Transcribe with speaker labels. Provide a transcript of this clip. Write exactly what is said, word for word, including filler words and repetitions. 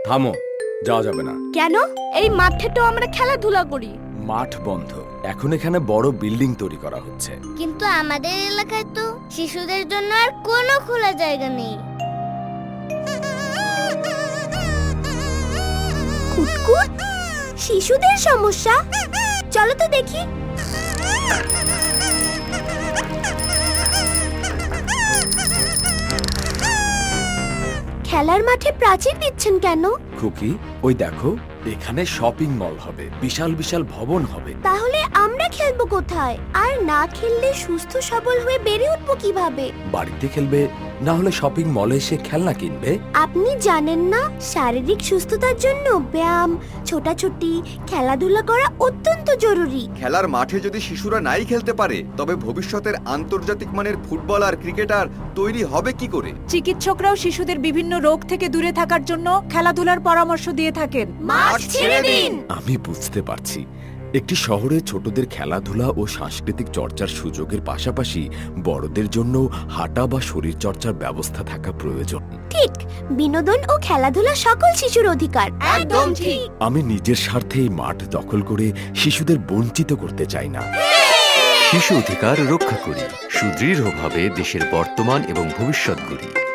Speaker 1: থামো, যাওয়া যাবে না।
Speaker 2: কেন? এই মাঠে তো আমরা খেলাধুলা করি।
Speaker 1: মাঠ বন্ধ, এখন এখানে বড় বিল্ডিং তৈরি করা হচ্ছে।
Speaker 3: কিন্তু আমাদের এলাকায় তো শিশুদের জন্য আর কোনো খোলা জায়গা নেই।
Speaker 2: কুটকুট, শিশুদের সমস্যা, চলো তো দেখি। খেলার মাঠে প্রাচীর দিচ্ছেন কেন?
Speaker 1: খুকি, ওই দেখো, এখানে শপিং মল হবে, বিশাল বিশাল ভবন হবে।
Speaker 2: তাহলে আমরা খেলবো কোথায়? আর না খেললে সুস্থ সবল হয়ে বেড়ে উঠবো কিভাবে?
Speaker 1: বাড়িতে খেলবে, না হলে শপিং মলে এসে খেলনা কিনবে।
Speaker 2: আপনি জানেন না, শারীরিক সুস্থতার জন্য ব্যায়াম, ছোটাছুটি, খেলাধুলা করা অত্যন্ত জরুরি।
Speaker 4: খেলার মাঠে যদি শিশুরা নাই খেলতে পারে, তবে ভবিষ্যতের আন্তর্জাতিক মানের ফুটবলার, ক্রিকেটার তৈরি হবে কি করে?
Speaker 5: চিকিৎসকরাও শিশুদের বিভিন্ন রোগ থেকে দূরে থাকার জন্য খেলাধুলার পরামর্শ দিয়ে থাকেন।
Speaker 2: মাঠ ছেড়ে দিন।
Speaker 1: আমি বুঝতে পারছি, একটি শহরে ছোটদের খেলাধুলা ও সাংস্কৃতিক চর্চার সুযোগের পাশাপাশি বড়দের জন্য হাঁটা বা শরীর চর্চার ব্যবস্থা থাকা প্রয়োজন।
Speaker 2: ঠিক, বিনোদন ও খেলাধুলা সকল শিশুর অধিকার।
Speaker 3: একদম ঠিক।
Speaker 1: আমি নিজের স্বার্থে এই মাঠ দখল করে শিশুদের বঞ্চিত করতে চাই না।
Speaker 6: শিশু অধিকার রক্ষা করি, সুদৃঢ়ভাবে দেশের বর্তমান এবং ভবিষ্যৎ গড়ি।